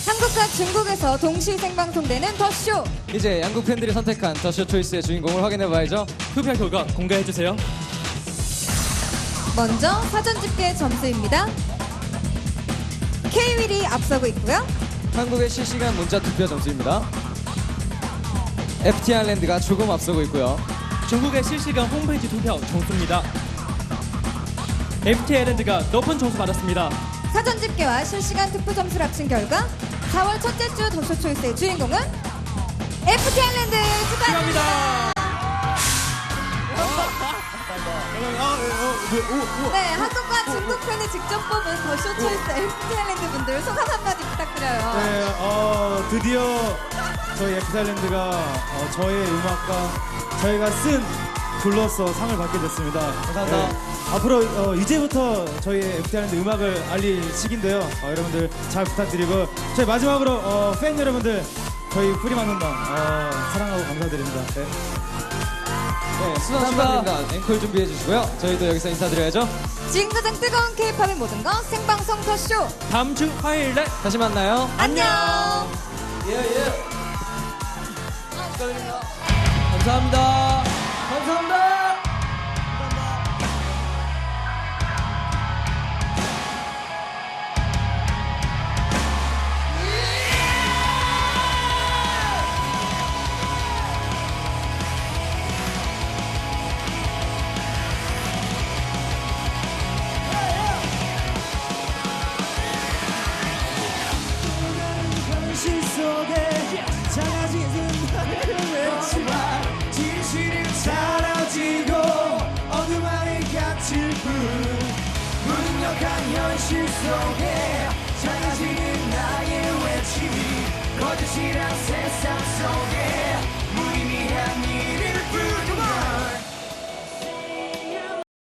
한국과 중국에서 동시 생방송되는 더쇼. 이제 양국 팬들이 선택한 더쇼 초이스의 주인공을 확인해봐야죠. 투표 결과 공개해주세요. 먼저 사전 집계 점수입니다. K-윌이 앞서고 있고요. 한국의 실시간 문자 투표 점수입니다. FT 아일랜드가 조금 앞서고 있고요. 중국의 실시간 홈페이지 투표 점수입니다. FT 아일랜드가 높은 점수 받았습니다. 사전 집계와 실시간 투표 점수를 합친 결과 4월 첫째 주 더쇼 초이스의 주인공은 FT 아일랜드 축하합니다. 네, 한국과 중국 팬이 직접 뽑은 더쇼 초이스 FT 아일랜드 분들 소감 한마디 부탁드려요. 네, 드디어 저희 FT아일랜드가 저의 음악과 저희가 쓴 글로서 상을 받게 됐습니다. 감사합니다. 앞으로 이제부터 저희 FT아일랜드 음악을 알릴 시기인데요. 여러분들 잘 부탁드리고 저희 마지막으로 팬 여러분들 저희 프리만 혼방 사랑하고 감사드립니다. 네. 네, 수상 축하드립니다. 앵콜 준비해주시고요. 저희도 여기서 인사드려야죠. 지금 가장 뜨거운 K-팝의 모든 것 생방송 더쇼. 다음 주 화요일 날 다시 만나요. 안녕. 감사합니다. 감사합니다. 현실 속에 작아지는 나를 외치마 진실이 사라지고 어둠 안에 갇힐 뿐 무능력한 현실 속에 작아지는 나의 외침이 거짓이란 세상 속에